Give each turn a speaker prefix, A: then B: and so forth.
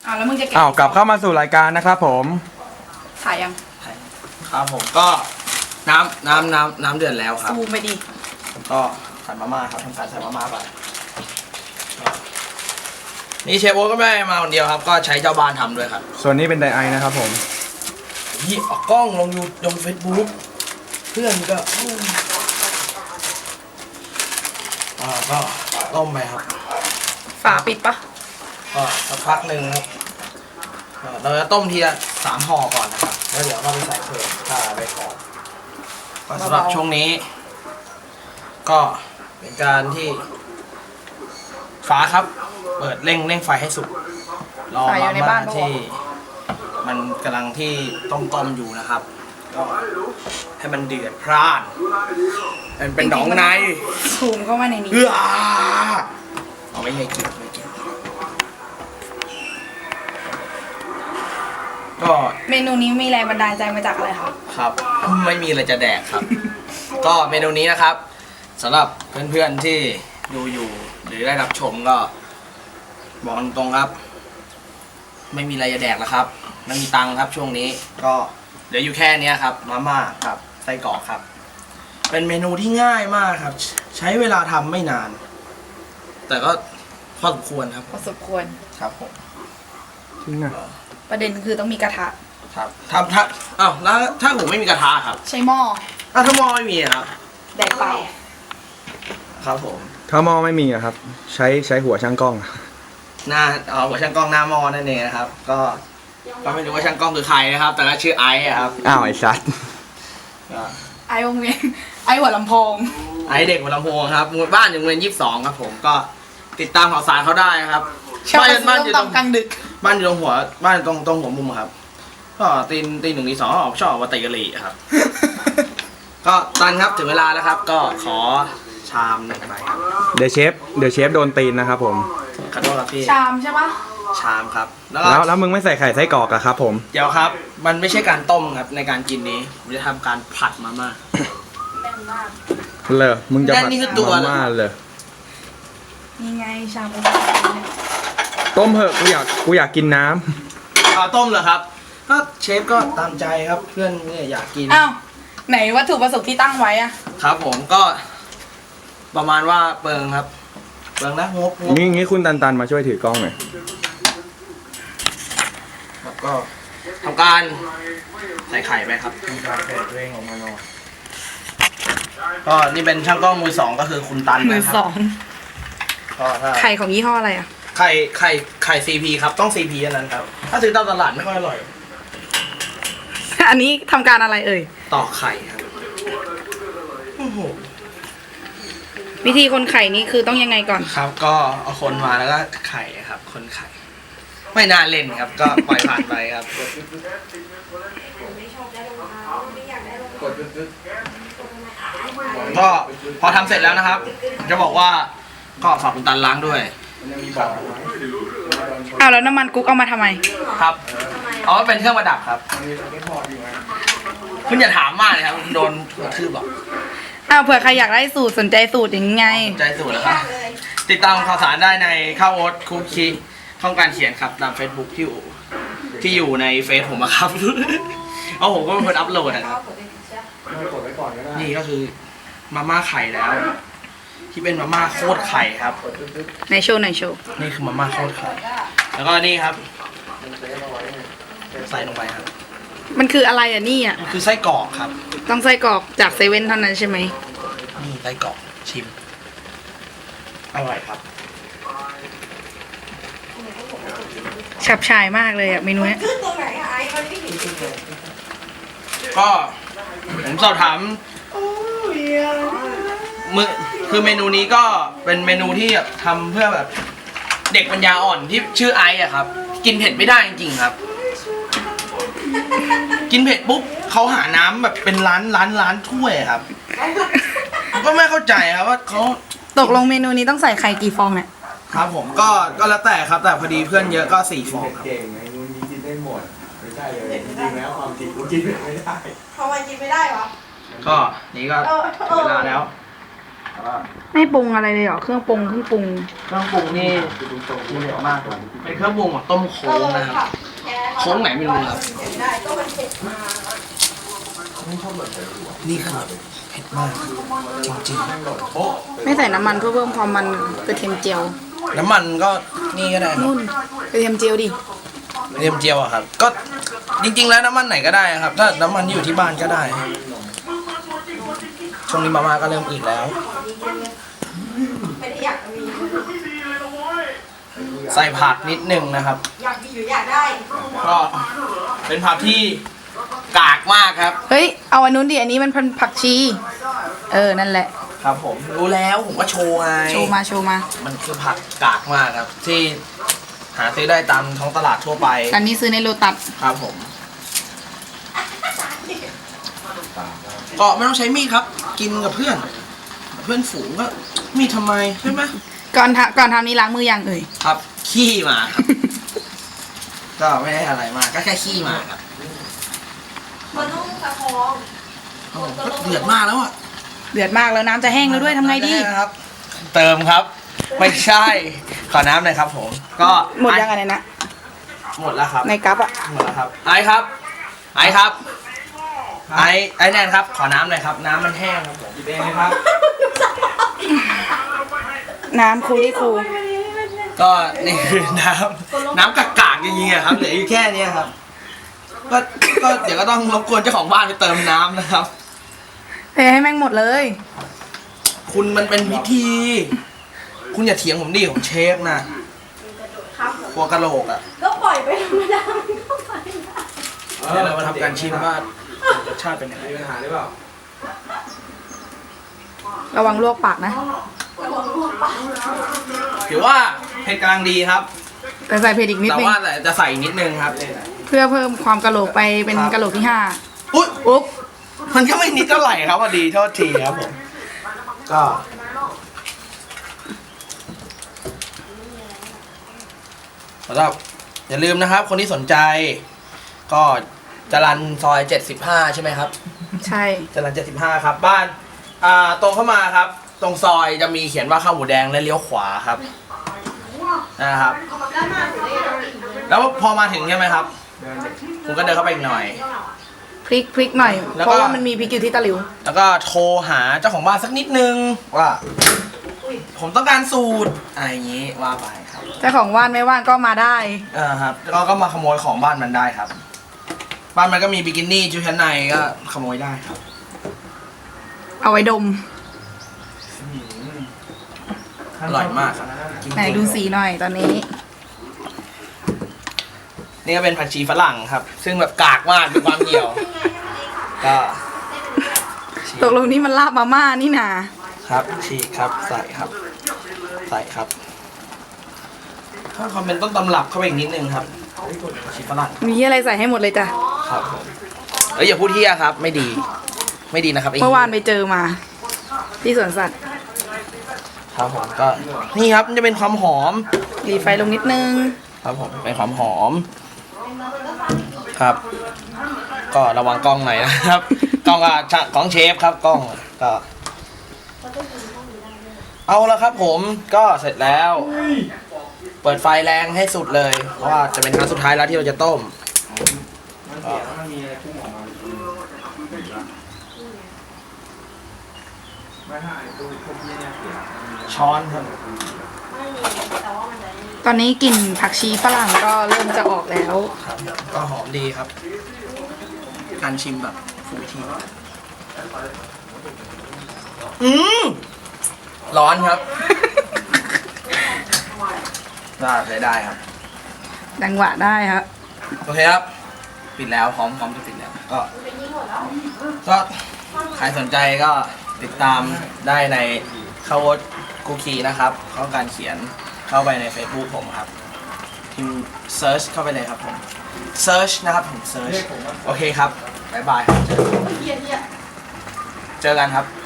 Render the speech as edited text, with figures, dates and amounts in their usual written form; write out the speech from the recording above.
A: แล้วมึงจะแกะ
B: กลับเข้ามาสู่รายการนะครับผม
A: ถ่ายยัง
C: ครับผมก็น้ำเดือดแล้วครับ
A: ซูมไปดิ
C: ผมก็ใส่มาม่าครับทำการใส่มาม่าไปนี่เชฟโอ๊ตก็ไม่ได้มาคนเดียวครับ ก็ใช้เจ้าบ้านทำด้วยครับ
B: ส่วนนี้เป็นไดไอนะครับผม
C: นี่ออกกล้องลงลงเฟซบุ๊กเพื่อนก็ก็ต้มไปครับ
A: ฝาปิดปะ
C: ก็สักพักหนึ่งครับเราจะต้มทีละ3 ห่อก่อนนะครับแล้วเดี๋ยวเราไปใส่เพิ่มถ้าไปขอก็สำหรับช่วงนี้ ก็เป็นการที่ฝาครับ เปิดเร่งไฟให้สุกรอมาม่าที่มันกำลังที่ต้มอยู่นะครับ ก็ให้มันเดือดพร่านมันเป็นหนองใน
A: ซูมเข้ามาในนี้
C: เอาไม่ให้กินก็
A: เมนูนี้มีแรงบันดาลใจมาจากอะไรคะ
C: ครับไม่มีอะไรจะแดกครับ ก็เมนูนี้นะครับสำหรับเพื่อนๆที่ดูอยู่หรือได้รับชมก็บอกตรงๆครับ ไม่มีอะไรจะแดกแล้วครับไม่มีตังค์ครับช่วงนี้ก็เหลืออยู่แค่นี้ครับมาม่ากับไส้กรอกครับ เป็นเมนูที่ง่ายมากครับ ใช้เวลาทำไม่นาน แต่ก็พอสมควรครับ
A: พอสมควร
C: ครับผม
B: จริงอะ
A: ประเด็นคือต้องมีกระทะ
C: ครับถ้าอ้าวแล้วถ้าผมไม่มีกระทะครับ
A: ใช้หม้อ
C: ถ้าหม้อไม่มีครับ
A: แดกไป
C: ครับผม
B: ถ้าหม้อไม่มีอะครับ ใช้หัวช่างกล้องอะ
C: หน้าหัวช่างกล้องหน้าหม้อนั่นเองนะครับ ก็ไม่รู้ว่าช่างกล้องคือใครนะครับ แต่ก็ชื่อไอซ์อะครับ
B: อ้าวไอ้สัส
C: ก็
A: ไอวงเวียนไอหัวลำโพง
C: ไอซ์เด็กหัวลำโพงครับบ้านอยู่โรงเรียน22ครับผมก็ติดตามข่าวสารเขาได้ครับ
A: ชอบ
C: บ้าน
A: ซื้
C: อยู่
A: อ
C: ต
A: ต้
C: ร
A: ม
C: ง
A: ตำกลางดึก
C: บ้านอยู่ตรงหัวบ้านตรงหัวมุมครับ ก็ตีหนึ่งตีสองชอบมาตีกะหรี่ครับ ก็ตันครับถึงเวลาแล้วครับ ก็ขอชามหนึ่งใบครับ
B: เดี๋ยวเชฟโดนตีนนะครับผม
C: ขอโทษครับพี่
A: ชามใช่ปะ
C: ชามครับแล้วก็
B: แล้วมึงไม่ใส่ไข่ไส้กรอกอะครับผม
C: เดี๋ยวครับ มันไม่ใช่การต้มครับในการกินนี้ผมจะทำการผัดมาม่า
A: แน่นมาก
B: เลยมึงจะผัด
C: นี่คือตัว
B: มาม่าเลย
A: นี่ไงชาม
B: ต้มเหอะกูอยากกินน้ำ
C: ต้มเหรอครับก็เชฟก็ตามใจครับเพื่อนเนี่ยอยากกิน
A: อ้าวไหนวัตถุประสงค์ที่ตั้งไว้อะ
C: ครับผมก็ประมาณว่าเปิงครับเปิงนะงบ
B: งี้คุณตันมาช่วยถือกล้องหน่อย
C: ครับก็ทำการใส่ไข่ไปครับทำการใส่ตัวเองออกมาหน่อยก็นี่เป็นช่างกล้องมือ 2ก็คือคุณตัน
A: มือ
C: นะค
A: ส
C: รับ
A: อง
C: ก็ถ้า
A: ไข่ของยี่ห้ออะไรอะ
C: ไข่ CP ครับต้อง CP อันนั้นครับถ้าซื้อตามตลาดไม่ค่อยอร่อย
A: อันนี้ทำการอะไรเอ่ย
C: ตอกไข่ครับโอ้โห
A: วิธีคนไข่นี่คือต้องยังไงก่อน
C: ครับก็เอาคนมาแล้วก็ไข่ครับ คนไข่ ไม่น่าเล่นครับ ก็ปล่อยผ่านไปครับก็พอทำเสร็จแล้วนะครับ จะบอกว่าก็ฝากคุณตันล้างด้วย
A: อ้าวแล้วน้ำมันกุ๊กเอามาทำไม
C: ครับอ๋อเป็นเครื่องประดับครับคุณอย่าถามมากเลยครับโดนกระทืบหรอก
A: อ้าวเผื่อใครอยากได้สูตรสนใจสูตรอย่างไง
C: ใจสูตรแล้วครับติดตามข่าวสารได้ในข้าวโอ๊ตคุกคีช่องการเขียนครับตาม Facebook ที่อยู่ในเฟซผมอะครับ เอาผมก็เป็นคนอัพโหลดนะครับนี่ก็คือมาม่าไข่แล้ว ที่เป็นมาม่าโคตรไข่ครับ
A: ในโชว์ในโชว์
C: นี่คือมาม่าโคตรไข่แล้วก็นี่ครับใส่ลงไปครับ
A: มันคืออะไรอ่ะนี่อ่ะ
C: มันคือไส้กรอกครับ
A: ต้องไส้กรอกจากเซเว่นเท่านั้นใช่ไหม
C: นี่ไส้กรอกชิมอร่อยครับ
A: ฉับฉายมากเลยอ่ะเมนูเนี้ย
C: ก็ผมสอบถามคือเมนูนี้ก็เป็นเมนูที่แบบทำเพื่อแบบเด็กปัญญาอ่อนที่ชื่อไอซ์อะครับ กินเผ็ดไม่ได้จริงๆครับ กินเผ็ดปุ๊บเขาหาน้ำแบบเป็นล้านถ้วยครับผมก็ไม่เข้าใจครับว่าเขา
A: ตกลงเมนูนี้ต้องใส่ไข่กี่ฟองเนี่ย
C: ครับผมก็แล้วแต่ครับแต่พอดีเพื่อนเยอะก็4 ฟองครับ
D: เก่งไงมึงกินได้หมดไม่ใช่เลยจริงๆแล้วความจริงกูกินไม่ได้
A: ทำไมกินไม่ได้วะ
C: ก็นี่ก็ถึงเวลาแล้วแต่ว่า
A: ไม่ปรุงอะไรเลยเหรอ เครื่องปรุงเครื่องปรุง
C: เครื่องปรุงนี่มีเยอะมากเลยเป็นเครื่องปรุงของต้มโค้งนะครับโค้งไหนไม่รู้ครับนี่คือเผ็ดมากจริง
A: ไม่ใส่น้ำมันเพื่อเพิ่มความมันกระเทียมเจียว
C: ๆน้ำมันก็นี่ก็ได้ครับ
A: นุ่นกระเทียมเจียวดิ
C: กระเทียมเจียวอะครับ ก็จริงๆแล้วน้ำมันไหนก็ได้ครับ ถ้าน้ำมันที่อยู่ที่บ้านก็ได้ ช่วงนี้มาม่าก็เริ่มอืดแล้ว ใส่ผักนิดนึงนะครับ ก็เป็นผักที่กากมากครับ
A: เฮ้ย เอาอันนู้นดิ อันนี้มันผักชี นั่นแหละ
C: ครับผมรู้แล้วผมก็โชว์ไง
A: โชว์มาโชว์มา
C: มันคือผักกากมากครับ ที่หาซื้อได้ตามท้องตลาดทั่วไป
A: อันนี้ซื้อในโลตัส
C: ครับผม ก็ไม่ต้องใช้มีดครับ กินกับเพื่อน เพื่อนฝูงก็มีดทำไมใช่ไหม
A: ก่อนทำนี้ล้างมือยังเอ่ย
C: ครับ ขี้มาครับ ก็ไม่ได้อะไรมาก ก็แค่ขี้มาครับ
E: มันต้องประคอง
C: โอ้โหก็เดือดมากแล้วอ่ะ
A: เดือดมากแล้วน้ำจะแห้งแล้วด้วยทำไงดี
C: ครับ เติมครับ ไม่ใช่ ขอน้ำหน่อยครับผม ก็
A: หมดยังไงนะ
C: หมดแล้วครับ
A: ในกั๊บอะ
C: หมดแล้วครับ ไอครับ ไอครับ ไอแนนครับ ขอน้ำหน่อยครับ น้ำมันแห้งครับผมกินเองนะครับ
A: น้ำคูที่คู
C: ก็นี่คือน้ำกากๆจริงๆอะครับ เหลืออยู่แค่เนี้ยครับ ก็เดี๋ยวก็ต้องรบกวนเจ้าของบ้านไปเติมน้ำนะครับ
A: เทให้แม่งหมดเลย
C: คุณมันเป็นพิธี คุณอย่าเถียงผมดิผมเชฟนะครัวกะโหลกอะ
E: ก็ปล่อยไปธรรมดามันก็ไปได้
C: เดี๋ยวเรามาทำการชิมว่ารสชาติเป็นยังไง
D: มีปัญหาหรือเปล่า
A: ระวังลวกปากนะ
C: ถือว่าเผ็ดกำลังดีครับ
A: แต่ใส่เผ็ดอีกนิด
C: แต่
A: นึง
C: ว่าแต่จะใส่อีกนิดนึงครับ
A: เพื่อเพิ่มความกะโหลกไปเป็นกะโหลกที่
C: อุ๊ย
A: 5อุ๊บ
C: มันก็ไม่นิดเท่าไหร่ครับพอดีโทษทีครับผม ก็สำหรับอย่าลืมนะครับ คนที่สนใจ ก็จรัญซอย 75 ใช่ไหมครับ
A: ใช่
C: จรัญ75 ครับ บ้านตรงเข้ามาครับ ตรงซอยจะมีเขียนว่าข้าวหมูแดงและเลี้ยวขวาครับนะครับ แล้วพอมาถึงใช่ไหมครับคุณก็เดินเข้าไปอีกหน่อย
A: พริกหน่อย
C: แล้วก็
A: เพราะว่ามันมีพริกอยู่ที่ตะหลิว
C: แล้วก็โทรหาเจ้าของบ้านสักนิดนึงว่า ผมต้องการสูตรอะไรอย่างนี้ว่าไปครับ
A: เจ้าของว่านไม่ว่างก็มาได้
C: ครับก็มาขโมยของบ้านมันได้ครับ บ้านมันก็มีบิกินี่ชุดชั้นในก็ขโมยได้ครับ
A: เอาไว้ดม
C: อร่อยมากครับจริงๆ
A: ไหนดูสีหน่อยตอนนี้
C: นี่ก็เป็นผักชีฝรั่งครับ ซึ่งแบบกากมากเป็นความเหี่ยว ก็ฉีก
A: ตกลงนี่มันลาบมาม่านี่นา
C: ครับฉีกครับใส่ครับ ใส่ครับเพิ่มความเป็นต้นตำรับเข้าไปอีกนิดนึงครับผักชีฝรั่ง
A: มีอะไรใส่ให้หมดเลยจ้ะ
C: ครับผมอย่าพูดเที่ยครับ ไม่ดี ไม่ดีนะครับไ
A: เมื่อวานไปเจอมา ที่สวนสัตว์
C: ครับผมก็นี่ครับมันจะเป็นความหอม
A: รีไฟลงนิดนึง
C: ครับผมเป็นความหอมครับ ก็ระวังกล้องหน่อยนะครับ กล้องก็ของเชฟครับกล้องก็เอาละครับผมก็เสร็จแล้ว เปิดไฟแรงให้สุดเลย เพราะว่าจะเป็นครั้งสุดท้ายแล้วที่เราจะต้ม
D: มันมีอะไรพุ่งออกมาไม่ถ้าไอ้ตู้พวกนี้เนี่ยเสีย
C: ช้อนครับ
A: ตอนนี้กลิ่นผักชีฝรั่งก็เริ่มจะออกแล้ว
C: ครับก็หอมดีครับ การชิมแบบฟูทีร้อนครับ ได้ครับ
A: ดังหวะได้ครับ
C: โอเคครับ ปิดแล้วพร้อมจะปิดแล้วก็ใครสนใจก็ติดตามได้ในข้าวโอ๊ตกูคีนะครับข้อการเขียนเข้าไปใน Facebook ผมครับพิมพ์เซิร์ชเข้าไปเลยครับผมเซิร์ชนะครับผมเซิร์ชโอเคครับบ๊ายบายครับเจอกันครับ